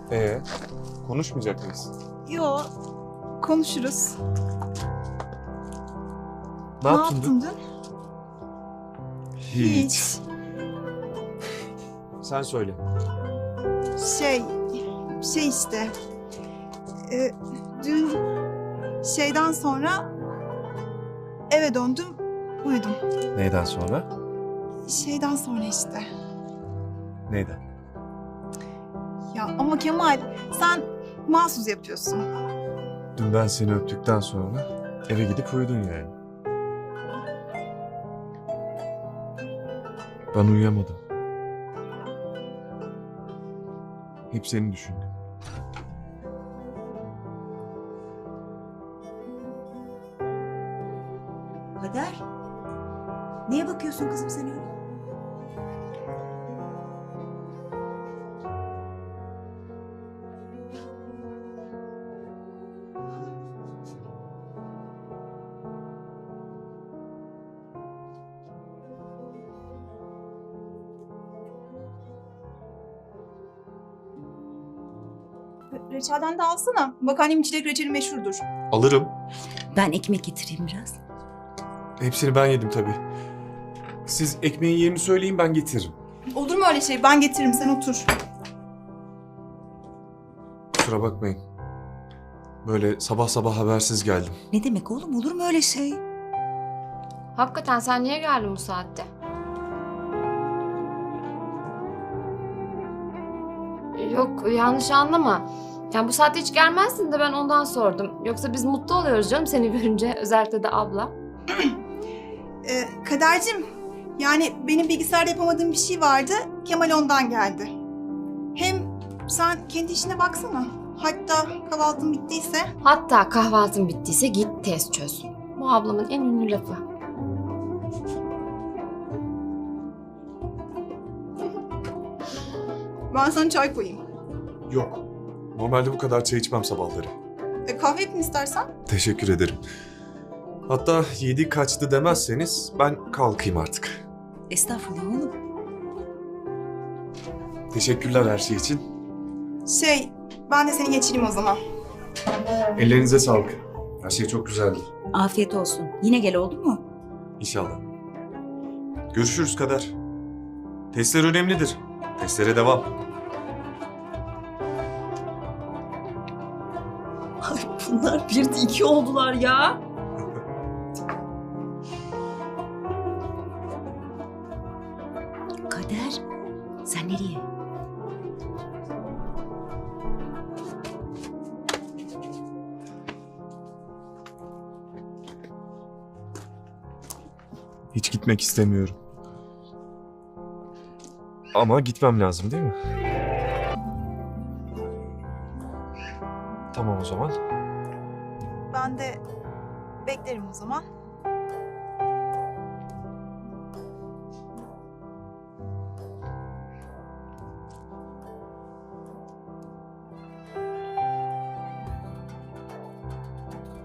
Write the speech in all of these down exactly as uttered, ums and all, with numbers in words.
Ee, konuşmayacak mıyız? Yo, konuşuruz. Ne, Ne yaptın yaptın dün? dün? Hiç. Sen söyle. Şey, şey işte. e, dün şeyden sonra eve döndüm, uyudum. Neyden sonra? Şeyden sonra işte. Neyden? Ya ama Kemal, sen mahsus yapıyorsun. Dün ben seni öptükten sonra eve gidip uyudun yani. Ben uyuyamadım. Hep seni düşündüm. Kader, neye bakıyorsun kızım sen öyle? Reçelden de alsana. Bak annemin çilek reçeli meşhurdur. Alırım. Ben ekmek getireyim biraz. Hepsini ben yedim tabii. Siz ekmeğin yerini söyleyin, ben getiririm. Olur mu öyle şey? Ben getiririm, sen otur. Kusura bakmayın. Böyle sabah sabah habersiz geldim. Ne demek oğlum, olur mu öyle şey? Hakikaten sen niye geldin bu saatte? Yok yanlış anlama. Yani bu saatte hiç gelmezdin de ben ondan sordum. Yoksa biz mutlu oluyoruz canım seni görünce. Özellikle de abla. Ee, Kadercim, yani benim bilgisayarda yapamadığım bir şey vardı. Kemal ondan geldi. Hem sen kendi işine baksana. Hatta kahvaltın bittiyse. Hatta kahvaltın bittiyse git test çöz. Bu ablamın en ünlü lafı. Ben sana çay koyayım. Yok. Normalde bu kadar çay içmem sabahları. E, kahve yapayım istersen. Teşekkür ederim. Hatta yedi kaçtı demezseniz ben kalkayım artık. Estağfurullah oğlum. Teşekkürler her şey için. Şey, ben de seni geçireyim o zaman. Ellerinize sağlık. Her şey çok güzeldi. Afiyet olsun. Yine gel, oldu mu? İnşallah. Görüşürüz Kader. Testler önemlidir. Testlere devam. Ay bunlar bir de iki oldular ya. Kader, sen nereye? Hiç gitmek istemiyorum. Ama gitmem lazım değil mi? Tamam o zaman. Ben de beklerim o zaman.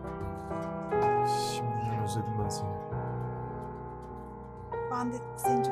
Şimdiden özledim ben seni. Ben de seni çok